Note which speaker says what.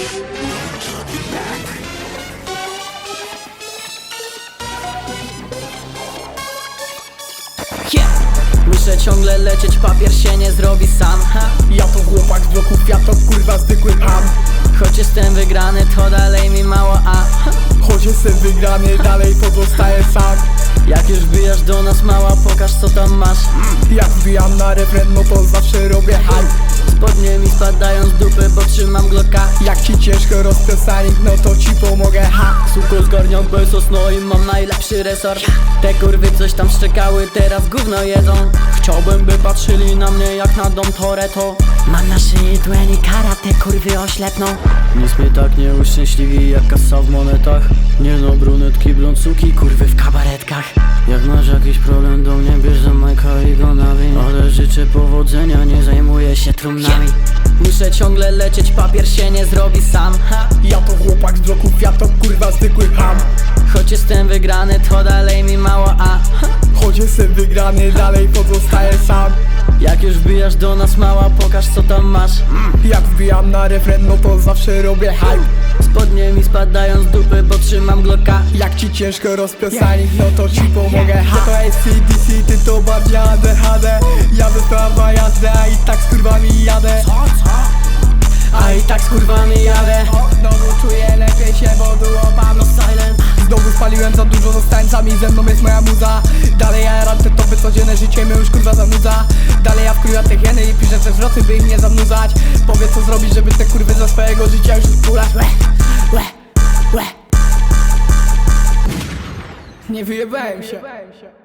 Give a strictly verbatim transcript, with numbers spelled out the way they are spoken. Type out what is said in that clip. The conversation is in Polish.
Speaker 1: Yeah. Muszę ciągle lecieć, papier się nie zrobi sam, ha.
Speaker 2: Ja to chłopak z bloku Fiatok, kurwa zwykły ham.
Speaker 1: Choć jestem wygrany, to dalej mi mało, a ha.
Speaker 2: Choć jestem wygrany, dalej pozostaję sam.
Speaker 1: Jak już wbijasz do nas, mała, pokaż co tam masz.
Speaker 2: Jak wbijam na refren, no to zawsze robię hype.
Speaker 1: Spodnie mi spadają z dupy, bo trzymam glocka.
Speaker 2: Jak ci ciężko rozpiosanik, no to ci pomogę, ha.
Speaker 1: Suko zgarniam pesos, no i mam najlepszy resort. Te kurwy coś tam szczekały, teraz gówno jedzą. Chciałbym, by patrzyli na mnie jak na dom Toretto. Mam na szyi dłoni kara, te kurwy oślepną. Nic mnie tak nie uszczęśliwi jak kasa w monetach. Nie no, brunetki, bloncuki, kurwy w kabaretkach. Jak masz jakiś problem, do mnie bierz za Majka i go nawiń. Ale życzę powodzenia, nie zajmuję się trumnami. Muszę ciągle lecieć, papier się nie zrobi sam, ha.
Speaker 2: Ja to chłopak z bloku Fiatok, kurwa zwykły ham.
Speaker 1: Choć jestem wygrany, to dalej mi mało, a ha.
Speaker 2: Choć jestem wygrany, dalej pozostaję sam.
Speaker 1: Jak już wbijasz do nas, mała, pokaż co tam masz.
Speaker 2: Jak wbijam na refren, no to zawsze robię hype.
Speaker 1: Spodnie mi spadają z dupy, bo trzymam glocka.
Speaker 2: Jak ci ciężko rozpiosanik, no to ci pomogę, ha. To jest C D C, ty to bardziej A D H D. Jadę prawa jazdę, a i tak z kurwami jadę.
Speaker 1: A i tak z kurwami jadę.
Speaker 2: Znowu czuję lepiej się, bo duopam, no silent. Znowu spaliłem za dużo, z tańcami, ze mną jest moja muza. Dalej ja jaram te topy, codzienne życie mnie już kurwa zanudza. Dalej ja wkurwiam te hieny i piszę te zwroty, by ich nie zanudzać. Powiedz co zrobić, żeby te kurwy za swojego życia już odpulać. Łe, łe, łe. Nie wyjebałem się.